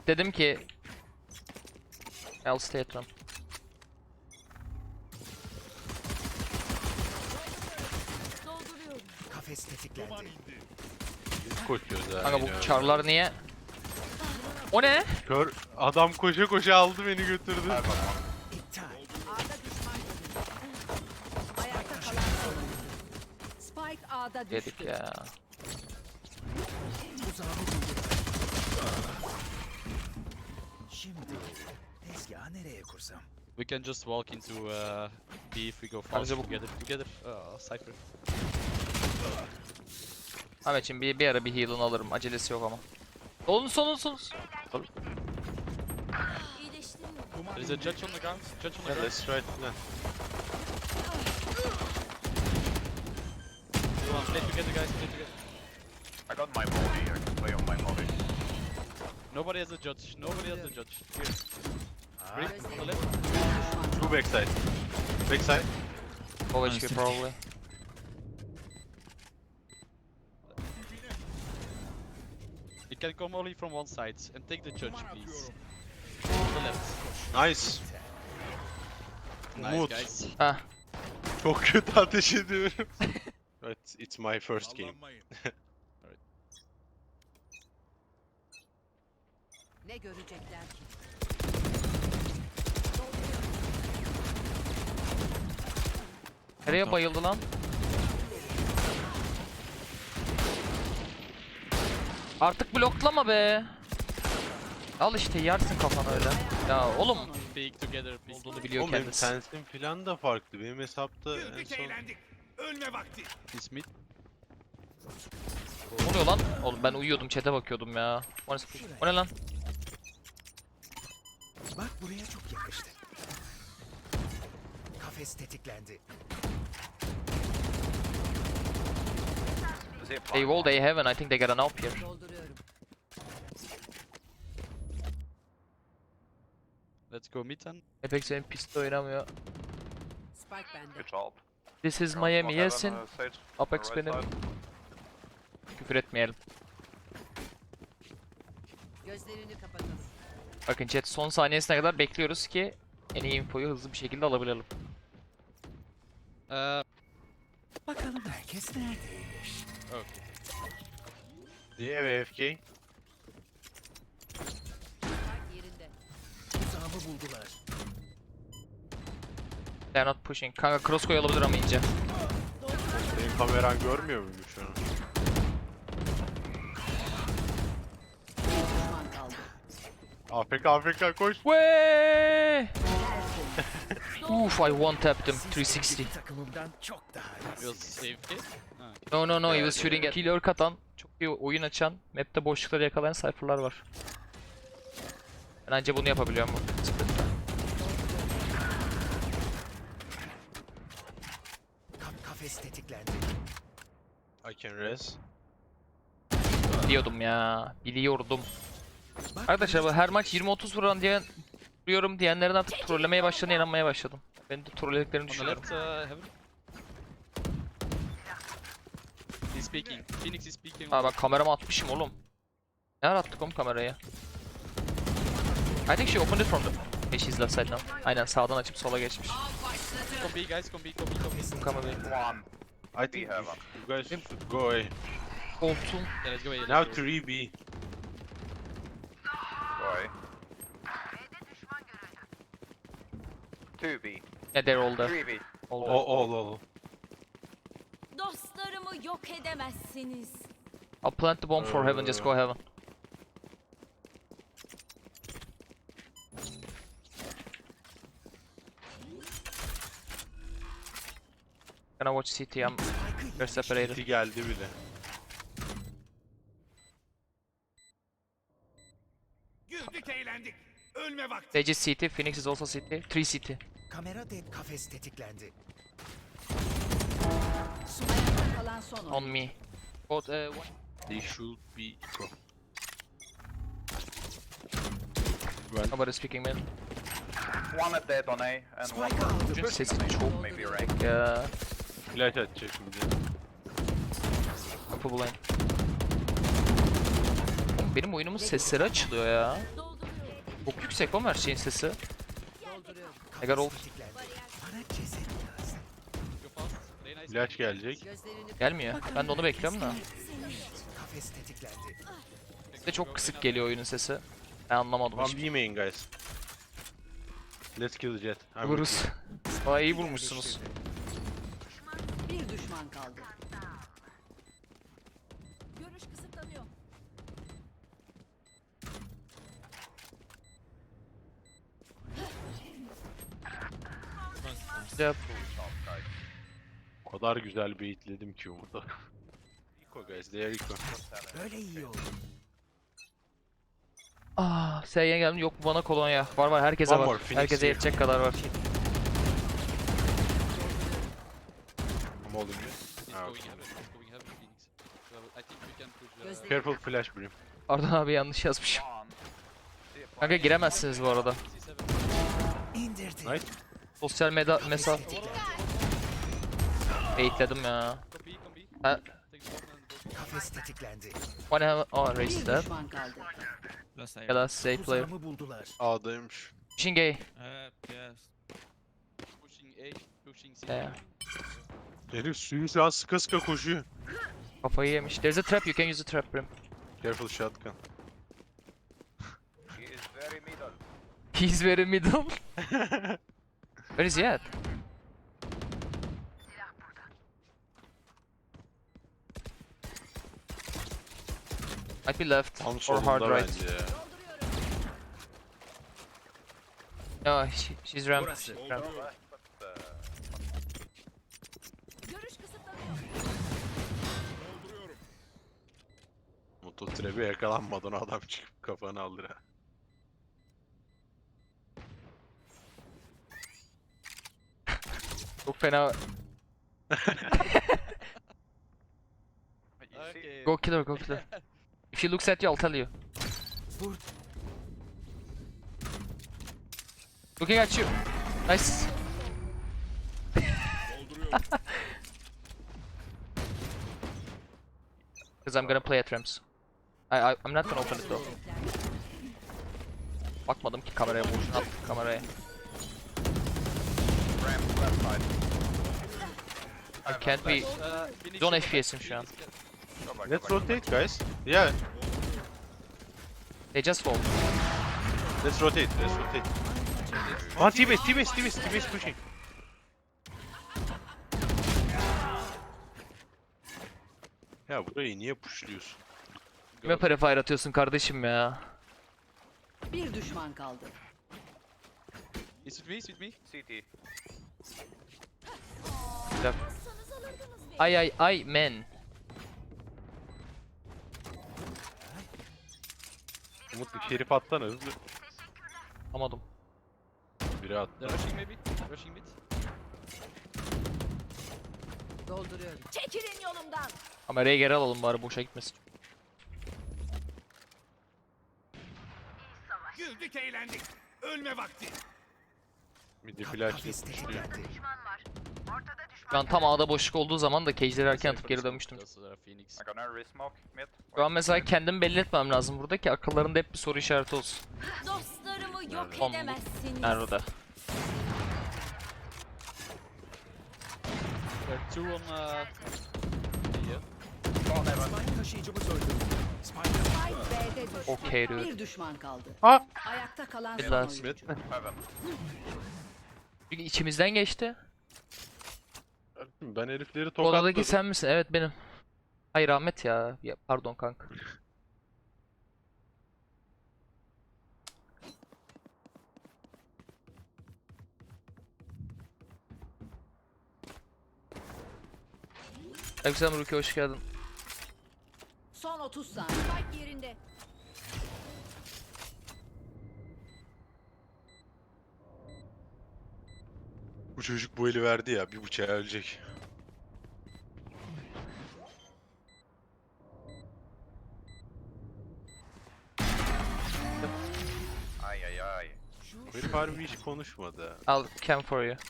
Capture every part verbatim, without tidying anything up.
dedim ki I'll stay at home. Kafes tetiklendi. Koşuyoruz ha. Kanka yine. bu çarlar niye? O ne? Kör adam koşa koşa aldı beni götürdü. İptal. A'da düşman görüldü. Ayakta kalan son. Spike A'da Dedik düştü. ya. Tuzağımı buldular. Şimdi tezgahı nereye kursam? We can just walk into uh, B if we go fast Bence bu- together. Together, uh, Cypher. Ahmetciğim bir, bir ara bir heal'ını alırım. Acelesi yok ama. Solun solun solun. There is a judge on the ground. Judge on the Yeah, ground. let's try it now. Come on, play together, guys. Play together. I got my molly, I can play on my molly. Nobody has a judge. Nobody has a judge. Here. Break on the left. Two backside. Backside. O H P probably. You can come only from one side and take the judge, please. On the left. Nice. Nice, Umut. guys. Heh. Çok kötü ateş ediyorum. Evet, it's my first game. Ne görecekler ki? Nereye bayıldı lan? Artık bloklama be. Al işte yersin kafanı öyle. Ya oğlum Speak together, please. olduğunu biliyor Oğlum benim kendisi. sensim falan da farklı. Benim hesapta en son... He's mid. Ne oluyor lan? Oğlum ben uyuyordum, chat'e bakıyordum ya. O ne, o ne lan? Bak buraya çok yakıştı. Kafes tetiklendi. Zip They wall, they heaven. I think they got an up here. Dolduruyorum. Let's go mid then. Apex senin piste oynamıyor. Spike bende. Good job. This is Smoke Miami, heaven, yesin. uh, Sage, Apex right benim. side. Küfür etmeyelim. Gözlerini kapatalım. Bakın chat son saniyesine kadar bekliyoruz ki en iyi infoyu hızlı bir şekilde alabilelim. Uh, Bakalım herkes neredeymiş? okay. Diye V F K. Spike yerinde. Tuzağımı buldular. They're not pushing. Kanka cross koy olabilir ama ince. Benim kameran görmüyor muyum şu an? Bir düşman kaldı. A F K A F K koş. Wey! Uf, I one tapped him. three sixty. Takımımdan çok daha It iyi. was A F K. No no no, he was shooting at. Kill lurk atan, çok iyi oyun açan, map'te boşlukları yakalayan cypher'lar var. Ben anca bunu yapabiliyorum bu split'te. Ka- kafes tetiklendi. I can res. Biliyordum ya, biliyordum. Bak Arkadaşlar bu her maç yirmi otuz vuran diyen vuruyorum diyenlerin artık trollemeye başladığına inanmaya başladım. Ben de trollediklerini On the düşünüyorum. left, uh, heaven. He's speaking. Phoenix is speaking. Ha bak kameramı atmışım oğlum. Ne ara attık oğlum kamerayı? I think she opened it from the... Hey, she's left side now. Aynen sağdan açıp sola geçmiş. Come B, guys. Come B, come B, come B. Kamerayı. One. I think you, you guys should go away. Koltuğum. Yeah, let's go A. let's Now go A. three B. Boy. Two B. Yeah, they're all there. Three B. All O there. all all. Dostlarımı yok edemezsiniz. I'll plant the bomb for heaven, just go heaven. Gonna watch C T, I'm... We're separated. City geldi bile. Güldük eğlendik. Ölme vakti. Sage is C T, Phoenix is also C T. three C T. Kamera dead kafes tetiklendi. Ayakta kalan son. On me. Both, uh, one. They should be go. Nobody speaking man. One at dead on A and one Spike aldı. Çocuğun sesi pushing on A. çok Maybe rank. ya. Flash atacak şimdi. Kapı bulayım. Oğlum benim oyunumun sesleri açılıyor ya. Dolduruyorum. Çok yüksek oğlum her şeyin sesi. Dolduruyorum. I got ult. Tetiklendi. Bana ceset lazım. Go fast. Play nice. Flash gelecek. Gözlerini Gelmiyor. Ben de onu bekliyorum da. Kafes tetiklendi. Bir de çok kısık geliyor oyunun sesi. Ben anlamadım One hiç. B main guys. Let's kill Jet. I'm Vururuz. Aa iyi vurmuşsunuz. bir düşman kaldı. Görüş kısıtlanıyor. Yap. O kadar güzel baitledim ki burada. Eco guys, they are eco. Böyle iyi oldu. Ah, S'ye geldim. Yok bana kolonya. Var var herkese One var. more, Phoenix Herkese here. yetecek kadar var. I'm holding you. He's Ah, going okay. heaven. He's going heaven, Phoenix. So I think we can push. Uh, Gözlerini Careful flash brim. Pardon abi yanlış yazmışım. Kanka giremezsiniz bu arada. C seven. İndirdi. Nice. Sosyal medya mesaj. Baitledim ya. Go B, go B. Ha, Take the bomb and go. Kafes tetiklendi. one have oh bir raised that. düşman kaldı. Ya da safe player. Tuzağımı buldular. A'daymış. Pushing A. Pushing A, pushing C. Yeah. Herif suyu sen sıka sıka koşuyor. Kafayı yemiş. There's a trap, you can use the trap brim. Careful shotgun. He is very middle. He's very middle. Where is he at? Might be left Tam or hard solunda right. bence ya. No, she, she's ramp. Burası. She's ramp. But, uh, Görüş kısıtlanıyor. Mototrebe yakalanmadan adam çıkıp kafanı aldır ha. Çok fena. you see, Okay. Go kill her, go kill her. If she looks at you, I'll tell you. Vur. Looking at you. Nice. Because I'm gonna play at ramps. I, I, I'm not gonna open it though. Bakmadım ki kameraya, boşuna attım kameraya. ramp left side. I can't be... Uh, Phoenix, Zone go F back, P S'im şu an. Phoenix, get- Go back, go Let's back. rotate guys. Yeah, They just fall. let's rotate, let's rotate. One T-base, T-base, T-base, T-base pushing. Ya burayı niye pushluyorsun? Kime prefire atıyorsun kardeşim ya? Bir düşman kaldı. Is it me? Is it me? C T. Sanız alırdınız beni. Ay ay ay men. Umut bir şerif atsana hızlı. Anlamadım. Biri at. They're rushing maybe? Rushing mid? Dolduruyorum. Çekilin yolumdan. Kamerayı geri alalım bari boşa gitmesin. Güldük eğlendik. Ölme vakti. Midi Ka- flash Kafes pushluyor. tetiklendi. Ben tam A'da boşluk olduğu zaman da cage'leri erken atıp geri dönmüştüm. Just, uh, Phoenix. I'm gonna resmoke mid. Şu an mesela kendimi belli etmem lazım burada ki akıllarında hep bir soru işareti olsun. Dostlarımı yok Tamam. edemezsiniz. Nerede? There are two on uh, here. Spike taşıyıcımız öldü. Spike Spike B'de düştü. Okey dude. Bir düşman kaldı. Ha! Ayakta kalan Bir son last. oyuncu. Heaven. Çünkü içimizden geçti. Ben herifleri Odadaki tokatladım. sen misin? Evet benim. Hayır Ahmet ya. ya pardon kanka. Aleykümselam Ruki, hoş geldin. Son otuz saniye. Spike yerinde. Bu çocuk bu eli verdi ya, bir bıçağa ölecek. Ay ay ay. Bu herif harbi hiç konuşmadı. I'll cam for you.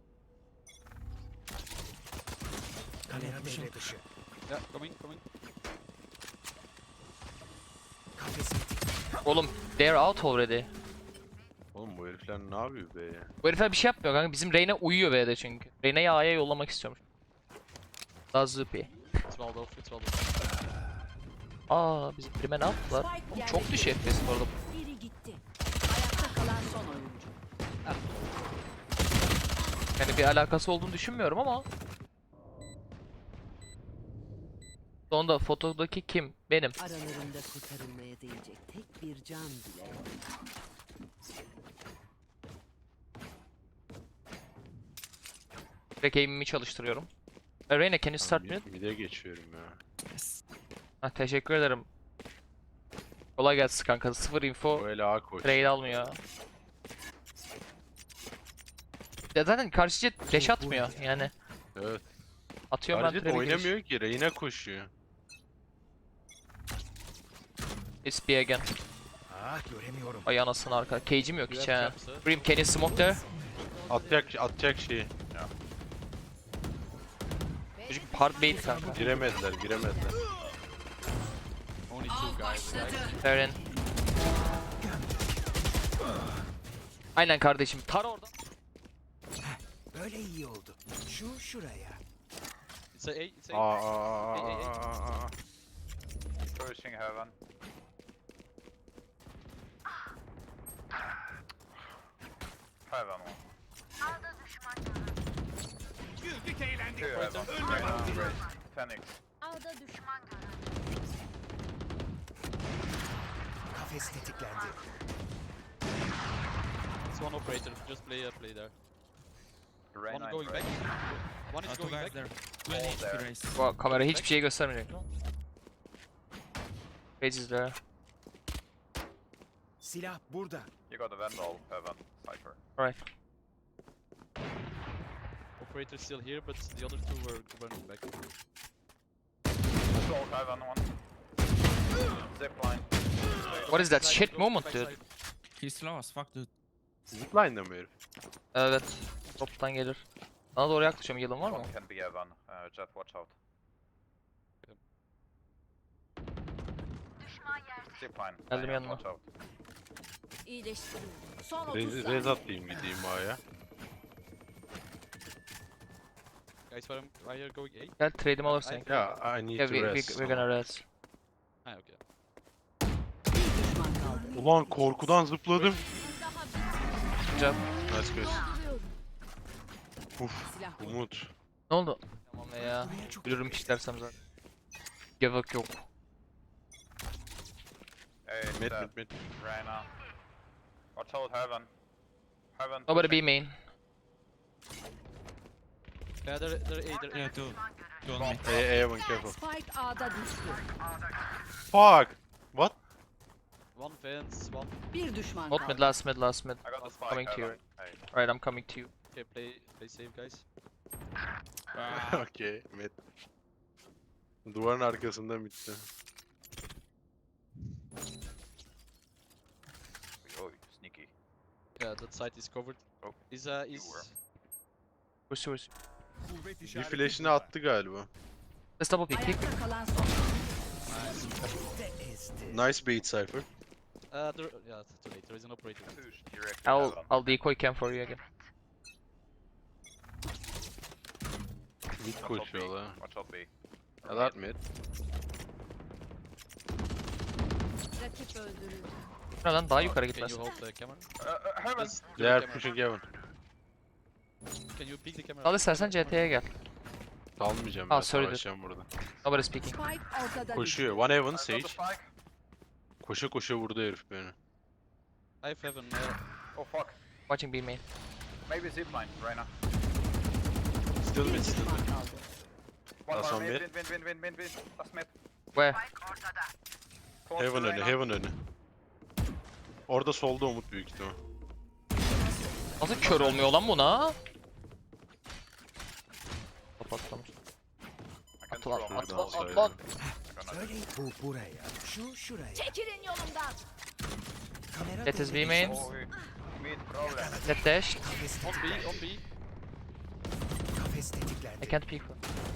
kamera devre dışı. Yeah, coming, coming. Kafes tetiklendi. Oğlum, they're out already. falan ne yapıyor be ya? Bu herifler bir şey yapmıyor kanka. Bizim Reyna uyuyor B'de çünkü. Reyna'yı A'ya yollamak istiyormuş. Daha zıpi. It's walled off, it's walled off. Aa bizim prime ne yaptılar? Oğlum çok düşük F P S bu arada. Biri gitti. Ayakta kalan son oyuncu. Yani bir alakası olduğunu düşünmüyorum ama. Sonunda fotodaki kim? Benim. Aralarında kurtarılmaya değecek tek bir can bile yok. Direkt aim'imi çalıştırıyorum. E, Reyna can you start Ben mid? mid- mid'e geçiyorum ya. Ha, teşekkür ederim. Kolay gelsin kanka. Sıfır info. Böyle A koş. Trade almıyor. Ya zaten karşı jet dash atmıyor yani. Evet. Atıyorum ben Hareket trap'e giriş. oynamıyor ki. Reyna koşuyor. It's B again. Ah göremiyorum. Ay anasını arka. Cage'im yok You hiç have ha. traps, sir. Grim can you smoke there? Atacak atacak şeyi. Çocuk hard bait kanka. Giremediler, giremediler. Only two guys. Like, Fair in. Aynen kardeşim. Tar orada. Böyle iyi oldu. Şu şuraya. it's a A, it's a Aa, A. aa, Hey, hey, hey. aa, aa, aa. Pushing heaven. Heaven one. Güldük eğlendik. Two heaven. Ölme vakti. ten x. Ağda düşman. Kafes tetiklendi. It's one operator, just play, uh, play there. Reyna One in going back. red. One is Uh, two going guys back. there. All Two there. race. Bu kamera hiçbir şey göstermeyecek. Cage is there. Silah burada. You got a vandal heaven. Cypher. Right. Operator still here, but the other two were running back. Assault heaven one. Zipline. What is that Backside, shit close moment backside. dude? He's slow as fuck, dude. Zipline'da mı herif? Evet. Toptan gelir. Bana doğru yaklaşıyorum. Yılın var mı? One can be heaven. Uh, Jet, watch out. Zipline. Geldim Reyna, yanına. watch out. İyileştiriyorum. Son otuz Rez, saniye. rez atayım gideyim A'ya. Guys, why am why are you going A? Gel trade'imi alırsın. I- Ya I need Yeah, to we, we, rest. we're gonna rest. Ah, okay. Bir düşman kaldı. Ulan korkudan zıpladım. Daha Good job. Nice guys. bitiriyorum. Uf, Silah burada. Umut. Ne oldu? Tamam ya. Buraya çok Yürürüm istersem zaten. Gevak yok. Hey, Mid uh, mid mid. Reyna. Watch out heaven. Heaven. Nobody pushing. B main. Yeah, they're, they're A, they're A. Yeah, two. Two on me. Hey, hey, everyone careful. Spike A'da düştü. Fuck. What? One fence, one. Bir düşman Not mid, kaldı. last mid, last mid. I got the spike Coming to you. heaven. Hey. Alright, I'm coming to you. Okay, play, play safe, guys. Ah, Okay, mid. Duvarın arkasında bitti. Oh, sneaky. Yeah, that side is covered. Oh, Is uh is were. Push, push. kuvvet Bir işareti flash'ini burada. attı galiba. Let's double pick. Pick. Ayakta kalan son. De ezdi. Nice bait Cypher. uh there, yeah, it's too late. There is an operator. Push directly I'll heaven. I'll decoy cam for you again. Mid Watch out B. koşuyorlar. Watch out B. Ya that mid. Rakip öldürüldü. Ne lan daha yukarı Can gitmez. you hold the camera? Uh, uh, heaven. Just do They the are camera. pushing heaven. Can you peek the camera? Al istersen C T'ye gel. Salmayacağım Ah, ben, sorry, savaşacağım burada. Nobody speaking. Spike ortada Koşuyor. One heaven I got Sage. the spike. Koşa koşa vurdu herif beni. I have heaven. Uh, Oh fuck. Watching B main. Maybe zipline, Reyna. Still Bir mid, still düşman mid. kaldı. One Last more one mid, mid. win, win, win, win, win, win. Last mid. Where? Close Heaven to önü, Reyna. heaven önü. Orada solda Umut büyük ihtimal. Nasıl kör olmuyor lan buna? Kapatlamış. I can Atla, throw atla, my atla, ball. atla. I'm gonna- Böyle bu buraya. Şu şuraya. Çekilin yolumdan. Kamera That is devre B main. dışı. Oh, we- mid problem. Get dash. Kafes on B, tetiklendi. on B. Kafes I tetiklendi. can't peek.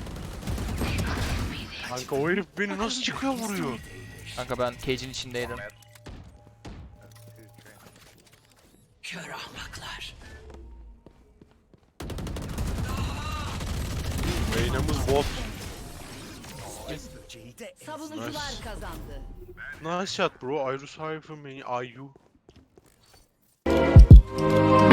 Kanka o herif beni nasıl çıkıyor vuruyor? Kanka ben cage'in içindeydim. Mid. Two, three. Kör ahmak. Reyna'mız bot. Böceği de ezdim. Savunucular Nice. kazandı. Nice shot bro. Iris Hyphen main. I U.